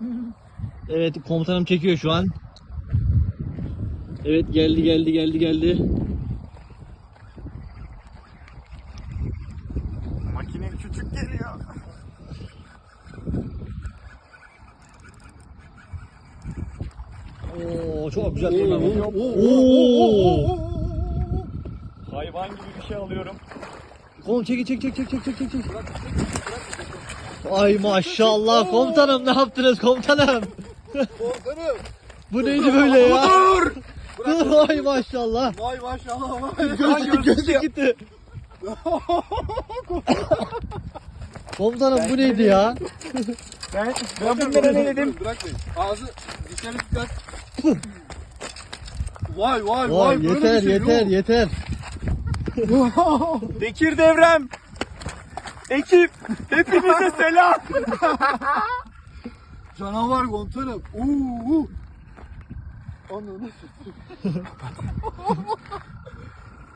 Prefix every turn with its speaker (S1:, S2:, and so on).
S1: Evet, komutanım çekiyor şu an. Evet, geldi.
S2: Makine küçük geliyor.
S1: Oo, çok güzel bir
S2: Hayvan gibi bir şey alıyorum.
S1: Oğlum çek. Ay maşallah komutanım, ne yaptınız komutanım?
S3: Komutanım.
S1: Bu neydi böyle ya?
S2: Dur!
S1: Dur, ay maşallah.
S3: Vay maşallah vay.
S1: Gözlük gitti. Komutanım bu neydi ya?
S2: Ben bunlara ne dedim?
S3: Bırakmayın. Ağzı dışarı dikkat. Vay
S1: Vay
S3: böyle bir şey
S1: yeter.
S3: yok.
S2: Bekir Devrem. Ekip. Hepinize selam.
S3: Canavar komutanım. Ananı.